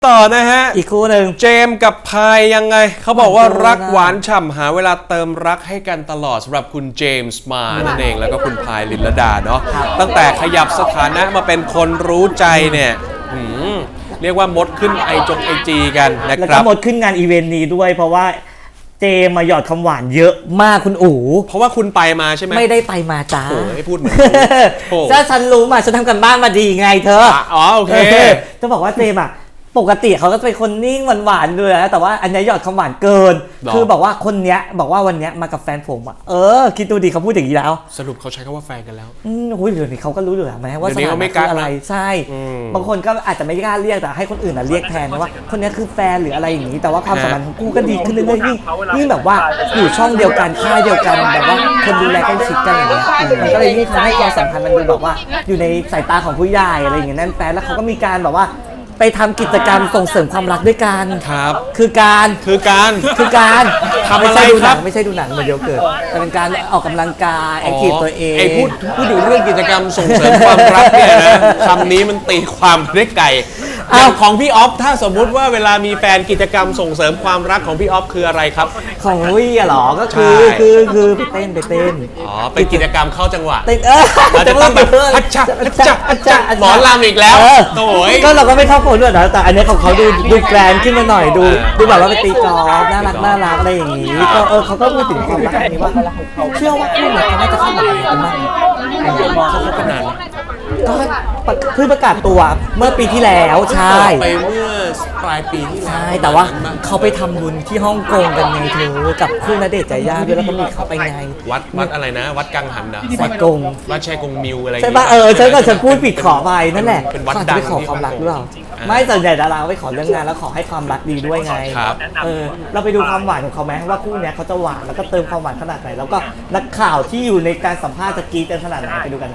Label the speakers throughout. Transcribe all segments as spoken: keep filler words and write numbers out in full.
Speaker 1: ต่อนะฮะ
Speaker 2: อีกคู่หนึ่ง
Speaker 1: เจมส์กับพายยังไงเขาบอกว่ารักหวานฉ่ำหาเวลาเติมรักให้กันตลอดสำหรับคุณเจมส์มานั่นเองแล้วก็คุณพายลินลดาเนาะตั้งแต่ขยับสถานะมาเป็นคนรู้ใจเนี่ยเรียกว่ามดขึ้นไอจงไอจีกันนะ
Speaker 2: แล้ว
Speaker 1: ครั
Speaker 2: ก็
Speaker 1: บ
Speaker 2: หมดขึ้นงานอีเวนต์นี้ด้วยเพราะว่าเจมาหยอดคำหวานเยอะมากคุณอู๋
Speaker 1: เพราะว่าคุณไปมาใช่ไหม
Speaker 2: ไม่ได้ไปมาจ้า
Speaker 1: โอ้ยพูดเหมือน
Speaker 2: ถ้าฉันรู้มาฉันทำกันบ้านมาดีไงเธอ
Speaker 1: อ๋อโอเค
Speaker 2: จะบอกว่าเจมอะปกติเขาก็เป็นคนนิ่งหวานๆด้วยนะแต่ว่าอันนี้หยอดคำหวานเกินคือบอกว่าคนเนี้ยบอกว่าวันเนี้ยมากับแฟนผมอ่ะเออคิดดูดิเขาพูดอย่างนี้แล้ว
Speaker 1: สรุปเขาใช้คำว่าแฟนกันแล้ว
Speaker 2: อืมโอ้ยเดี๋ยวนี้เขาก็รู้อยู่แล้วไหมว่าสถานะคืออะไรใช่บางคนก็อาจจะไม่กล้าเรียกแต่ให้คนอื่นอ่ะเรียกแทนว่าคนนี้คือแฟนหรืออะไรอย่างนี้แต่ว่าความสัมพันธ์ของกูก็ดีขึ้นเรื่อยๆยิ่งยิ่งแบบว่าอยู่ช่องเดียวกันค่ายเดียวกันแบบว่าคนดูแลใกล้ชิดกันอย่างเงี้ยมันก็เลยยิ่งทำให้ความสัมพันธ์มันดูแบบว่าอยู่ในสายตาของผู้ใหญ่อะไรอย่างเงี้ยนั่นแฟนแล้วเขาก็มีการแบบว่าไปทำกิจกรรมส่งเสริมความรักด้วยกัน
Speaker 1: ครับ
Speaker 2: คือการ
Speaker 1: คือการ
Speaker 2: คือการ
Speaker 1: ทำอะไรครับ
Speaker 2: ไม่ใช่ดูหนังเหมือนเดียวเกิดแต่เป็นการออกกำลังกายแอคทีฟตัวเอง
Speaker 1: ไอ้พูดพูดถึงเรื่องกิจกรรมส่งเสริมความรักเนี่ยนะคำนี้มันตีความได้ไกลอย่างของพี่ออฟถ้าสมมุติว่าเวลามีแฟนกิจกรรมส่งเสริมความรักของพี่ออฟคืออะไรครับ
Speaker 2: ของวี่อะหรอก็คือคือคือไปเต้นไปเต้น
Speaker 1: อ๋อเป็นกิจกรรมเข้าจังหวะ
Speaker 2: เต้นเออ
Speaker 1: เราจะต้องแบบอัจฉะอัจฉะอัจฉะหมอลำอีกแล้วโอ้ย
Speaker 2: ก็เราก็ไม่เข้าโผล่ด้วยนะแต่อันนี้ของเขาดูดูแกรนขึ้นมาหน่อยดูดูแบบว่าไปตีกอล์ฟน่ารักน่ารักอะไรอย่างนี้ก็เออเขาก็พูดถึงความรักนี้ว่าเชื่อว่าคู่เนี่ยเขาน่าจะเข้ามากันมาก
Speaker 1: เขาคบกันนาน
Speaker 2: ก็เพิ่งประกาศตัวเมื่อปีที่แล้วใช่
Speaker 1: ไปเมื่อปลายปีที่
Speaker 2: ใช่แต่ว่าเขาไปทำบุญที่ฮ่องกงกันไงเธอกับคู่ณเดชน์ใจย่าด้วยแล้วก็มีเขาไปไง
Speaker 1: วัดวัดอะไรนะวัดกังหันนะ
Speaker 2: วัดกง
Speaker 1: วัดชัยกงมิวอะไร
Speaker 2: ใช่ป่ะเออฉันก็ฉันพูดผิดขอไปนั่นแหละเป็นวัดดังไปขอความรักหรือเปล่าไม่ส่วนใหญ่ดาราไปขอเรื่องงานแล้วขอให้ความรักดีด้วยไงเออเราไปดูความหวานของเขาไหมว่าคู่นี้เขาจะหวานแล้วก็เติมความหวานขนาดไหนแล้วก็นักข่าวที่อยู่ในการสัมภาษณ์จะกรี๊ดกันขนาดไหนไปดูกัน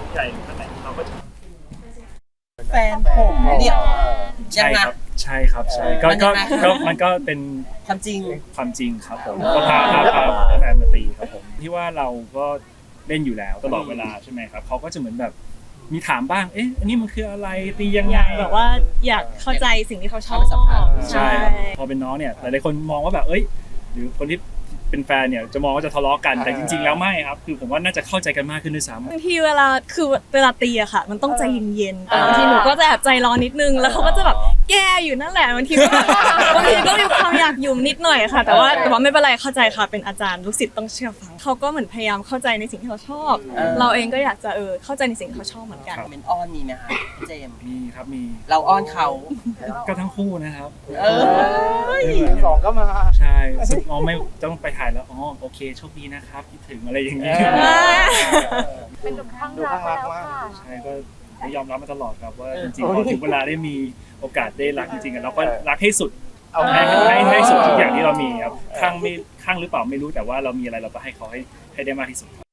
Speaker 3: แฟนผมเนี่ย
Speaker 4: ใช่ครับใช่ครับใช่ก็ก็ก็มันก็เป็น
Speaker 3: ความจริง
Speaker 4: ความจริงครับผมก็พาพาพาแฟนมาตีครับผมที่ว่าเราก็เล่นอยู่แล้วตลอดเวลาใช่ไหมครับเขาก็จะเหมือนแบบมีถามบ้างเอ๊ะอันนี้มันคืออะไรตียังไง
Speaker 5: แบบว่าอยากเข้าใจสิ่งที่เขาชอบ
Speaker 4: ใช่พอเป็นน้องเนี่ยหลายๆคนมองว่าแบบเอ้ยหรือคนที่เป็นแฟนเนี่ยจะมองว่าจะทะเลาะกันแต่จริงๆแล้วไม่ครับคือผมว่าน่าจะเข้าใจกันมากขึ้นด้วยซ้ำ
Speaker 5: บางทีเวลาคือเวลาตีอะค่ะมันต้องใจเย็นๆแต่บางทีหนูก็จะแอบใจร้อนนิดนึงแล้วเขาก็จะแบบแก้อยู่นั่นแหละบางทีบางทีก็มีความอยากหยุ่มนิดหน่อยค่ะแต่ว่าแต่ว่าไม่เป็นไรเข้าใจค่ะเป็นอาจารย์ลูกศิษย์ต้องเชื่อฟังเขาก็เหมือนพยายามเข้าใจในสิ่งที่เขาชอบเราเองก็อยากจะเออเข้าใจในสิ่งที่เขาชอบเหมือนกัน
Speaker 3: เป็นอ้อนมีไหมคะเจม
Speaker 4: มีครับมี
Speaker 3: เราอ้อนเขา
Speaker 4: ก็ทั้งคู่นะครับ
Speaker 3: เออ
Speaker 6: สองก็มา
Speaker 4: ใช่ซึ่งอ๋อไม่ต้องไปถ่ายแล้วอ๋อโอเคโชคดีนะครับคิดถึงอะไรอย่างนี้
Speaker 6: เป็นดูข้างรักมาก
Speaker 4: ใช่ก็ยอมรับมาตลอดครับว่าจริงๆพอถึงเวลาได้มีโอกาสได้รักจริงๆเราก็รักให้สุดให้ให้ให้สุดทุกอย่างที่เรามีครับข้างไม่ข้างหรือเปล่าไม่รู้แต่ว่าเรามีอะไรเราก็ให้เขาให้ให้ได้มากที่สุด